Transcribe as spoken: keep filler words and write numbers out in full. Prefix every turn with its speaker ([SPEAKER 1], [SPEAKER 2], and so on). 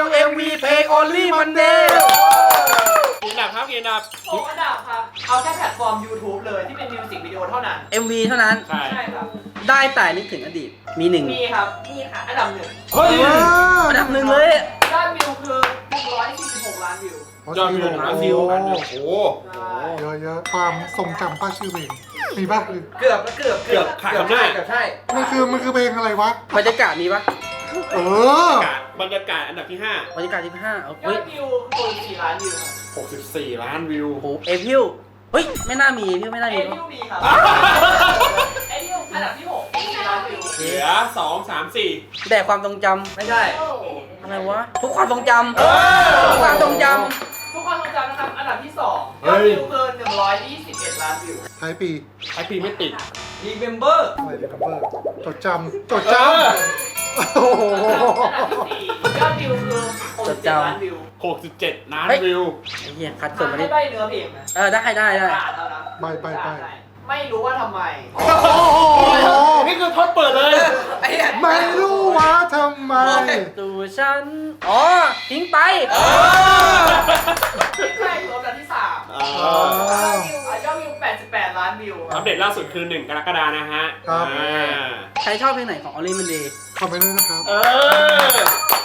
[SPEAKER 1] เอ็มวีเพลง Only Monday
[SPEAKER 2] กี่อันดับครับกี่อันดับ
[SPEAKER 3] หกอันดับครับเอาแค่แพลตฟอร์ม YouTube เลยที่เป็นมิวสิกวิดีโอเท่านั้น
[SPEAKER 1] เอ็ม วี เท่านั้น
[SPEAKER 2] ใช่
[SPEAKER 3] ใช่ครับ
[SPEAKER 1] ได้แต่นึกถึงอดีตมีหนึ่ง
[SPEAKER 3] มีครับมีค่ะอันดับหนึ่ง
[SPEAKER 2] เฮ้ย
[SPEAKER 1] อันดับหนึ่งเลย
[SPEAKER 3] ยอดวิวคือหนึ่งร้อยสี่สิบหกล้านวิวย
[SPEAKER 2] อดวิวหนึ่งล้านวิวอันเนี่ยโอ้โห
[SPEAKER 3] ใช่
[SPEAKER 4] เยอะเยอะๆความทรงจำป้าชื่อเพลงมีป่ะหรือ
[SPEAKER 1] เกือบเกือบ
[SPEAKER 2] เกือบขาดคำหน้า
[SPEAKER 1] เกือบใช่
[SPEAKER 4] มันคือมันคือเพลงอะไรวะ
[SPEAKER 1] บรรยากาศมีปะ
[SPEAKER 4] เออ
[SPEAKER 2] บรรยากาศอันดับที่ห้า
[SPEAKER 1] บรรยากาศที่ห้าเอา
[SPEAKER 3] ยอ
[SPEAKER 1] เฮ้ย
[SPEAKER 3] ดวิวคือสี่ล้านวิวครับ
[SPEAKER 2] หกสิบสี่ล้านวิว
[SPEAKER 1] โอ้โหเอพิวเฮ้ยไม่น่ามีเอพิวไม่น่า
[SPEAKER 3] เอ
[SPEAKER 1] มี
[SPEAKER 3] ดิวมีครับเอดิวอันดับที่หกสี่ล้านวิว
[SPEAKER 2] เหลือสองสามสี่
[SPEAKER 1] แต่ความทรงจำไม่ใช่อะไรวะทุกความทรงจำ
[SPEAKER 2] เออ
[SPEAKER 1] ทุกความทรงจ
[SPEAKER 3] ทุกคนทรงจำนะครับ อันดับที่สอง
[SPEAKER 2] เฮ้
[SPEAKER 3] ยอด
[SPEAKER 2] ย
[SPEAKER 3] วิวเกินหนึ่งร้อยยี่สิบเอ็ดล้านวิว
[SPEAKER 4] ท้ายปี
[SPEAKER 2] ไอปีไม่ติด
[SPEAKER 1] Remember
[SPEAKER 4] อะไรเดี๋ยวกับเบอร์จดจำจด
[SPEAKER 2] เอ
[SPEAKER 4] จ
[SPEAKER 2] อ
[SPEAKER 4] ำโอ้โห
[SPEAKER 3] อันดับที่สี่ยอดวิวคือหกสิบเจ็ดล้านวิว
[SPEAKER 2] หกสิบเจ็ดล้านวิว
[SPEAKER 1] ไอ้เหี้ยคัดส่วนมา
[SPEAKER 3] ให้
[SPEAKER 1] ดิ
[SPEAKER 3] ใบเนื้อเพลงนะ
[SPEAKER 1] เออได้ได้ได้
[SPEAKER 3] อ่านแล้วนะ
[SPEAKER 4] ไปไปไป
[SPEAKER 3] ไม่รู้ว่าทำไม
[SPEAKER 4] โอ้โห
[SPEAKER 2] นี่คือท็อปเปิดเลย
[SPEAKER 1] ไอ้เหี้ย
[SPEAKER 4] ไม่รู้ว่าทำไม
[SPEAKER 1] ตัวฉันอ๋อทิ้งไป
[SPEAKER 3] ใช่รวมอันดับที่สาม
[SPEAKER 2] เอ
[SPEAKER 4] อ๋อ
[SPEAKER 2] อ
[SPEAKER 3] ยอดวิวแปดสิบแปดล้านวิวค
[SPEAKER 2] อั
[SPEAKER 3] รั
[SPEAKER 2] ป
[SPEAKER 3] บ
[SPEAKER 2] เดตล่าสุดคือหนึ่งกรกฎานะฮะ
[SPEAKER 4] ครับ
[SPEAKER 2] อ่า
[SPEAKER 1] ใครชอบเพลงไหนของ Only Monday
[SPEAKER 4] คอมเมนต์ด้วยนะครับ
[SPEAKER 2] เออ